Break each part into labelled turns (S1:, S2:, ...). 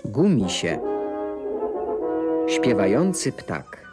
S1: Gumisie. Śpiewający ptak.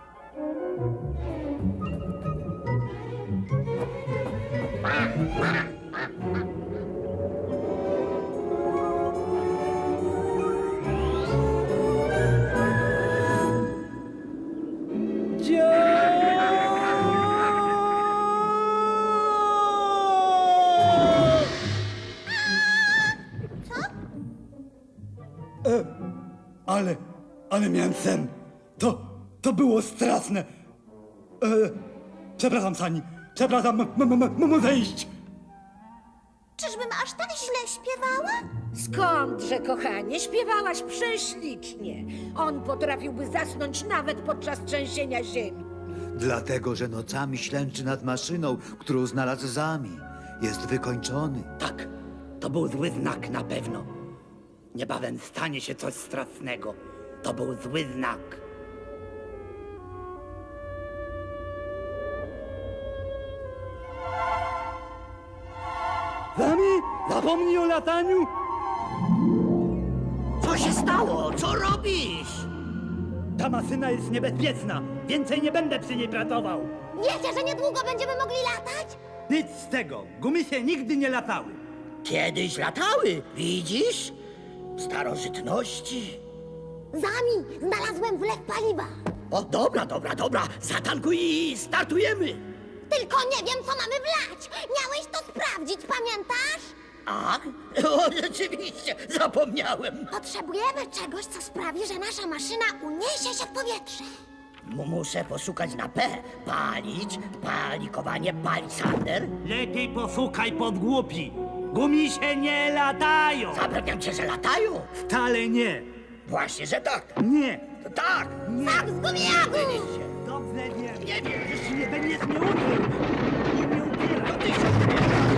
S2: Ale miałem sen. To było straszne. Przepraszam, Sani. Przepraszam, muszę iść.
S3: Czyżbym aż tak źle śpiewała?
S4: Skądże, kochanie, śpiewałaś prześlicznie. On potrafiłby zasnąć nawet podczas trzęsienia ziemi.
S5: Dlatego, że nocami ślęczy nad maszyną, którą znalazł Zami. Jest wykończony.
S2: Tak, to był zły znak na pewno. Niebawem stanie się coś strasznego. To był zły znak. Zami, zapomnij o lataniu.
S6: Co się stało? Co robisz?
S2: Ta maszyna jest niebezpieczna. Więcej nie będę przy niej pracował.
S3: Wiecie, że niedługo będziemy mogli latać?
S2: Nic z tego. Gumisie nigdy nie latały.
S6: Kiedyś latały, widzisz? W starożytności.
S3: Zami, znalazłem wlew paliwa.
S6: O, dobra. Zatankuj i startujemy.
S3: Tylko nie wiem, co mamy wlać. Miałeś to sprawdzić, pamiętasz?
S6: A? O, rzeczywiście, zapomniałem.
S3: Potrzebujemy czegoś, co sprawi, że nasza maszyna uniesie się w powietrze.
S6: Muszę poszukać na P. Palić, palikowanie, palisander.
S2: Lepiej posłuchaj podgłupi. Gumisie nie latają.
S6: Zapewniam cię, że latają.
S2: Wcale nie.
S6: Właśnie, że tak.
S2: Nie.
S6: Tak.
S3: Tak, z gumijagu!
S6: Byliście.
S2: Dobrze wiem.
S6: Nie wiesz.
S2: Jeśli nie będziesz mnie uczył, nie upieraj.
S6: To ty się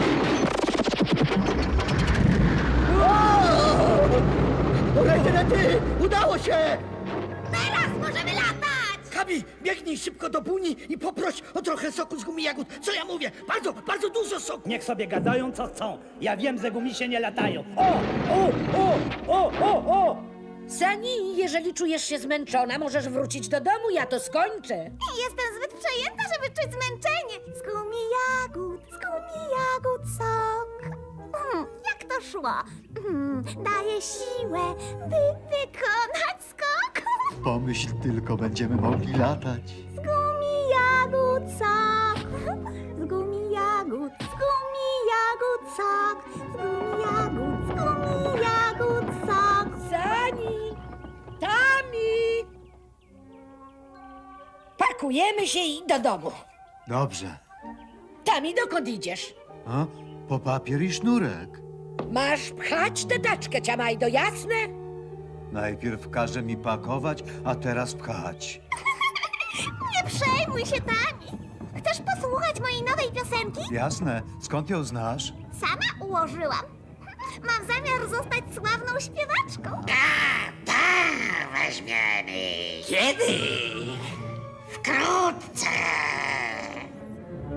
S6: Rety! Udało się!
S3: Teraz możemy latać!
S6: Kabi, biegnij szybko do buni i poproś o trochę soku z gumi jagód. Co ja mówię? Bardzo dużo soku.
S2: Niech sobie gadają, co chcą. Ja wiem, że gumisie nie latają. O!
S4: Sani, jeżeli czujesz się zmęczona, możesz wrócić do domu, ja to skończę.
S3: Jestem zbyt przejęta, żeby czuć zmęczenie. Z gumi jagód sok. Jak to szło? Daje siłę, by wykonać skok.
S5: Pomyśl tylko, będziemy mogli latać.
S3: Z gumi jagód sok. Z gumi jagód sok. Z gumi jagód sok.
S4: Sani! Tami! Pakujemy się i do domu.
S5: Dobrze.
S4: Tami, dokąd idziesz?
S5: A? Po papier i sznurek.
S4: Masz pchać tę taczkę, Ciamajdo, jasne?
S5: Najpierw każe mi pakować, a teraz pchać.
S3: Nie przejmuj się, Tami. Chcesz posłuchać mojej nowej piosenki?
S5: Jasne. Skąd ją znasz?
S3: Sama ułożyłam. Mam zamiar zostać sławną śpiewaczką.
S6: Weźmiemy. Kiedy? Wkrótce.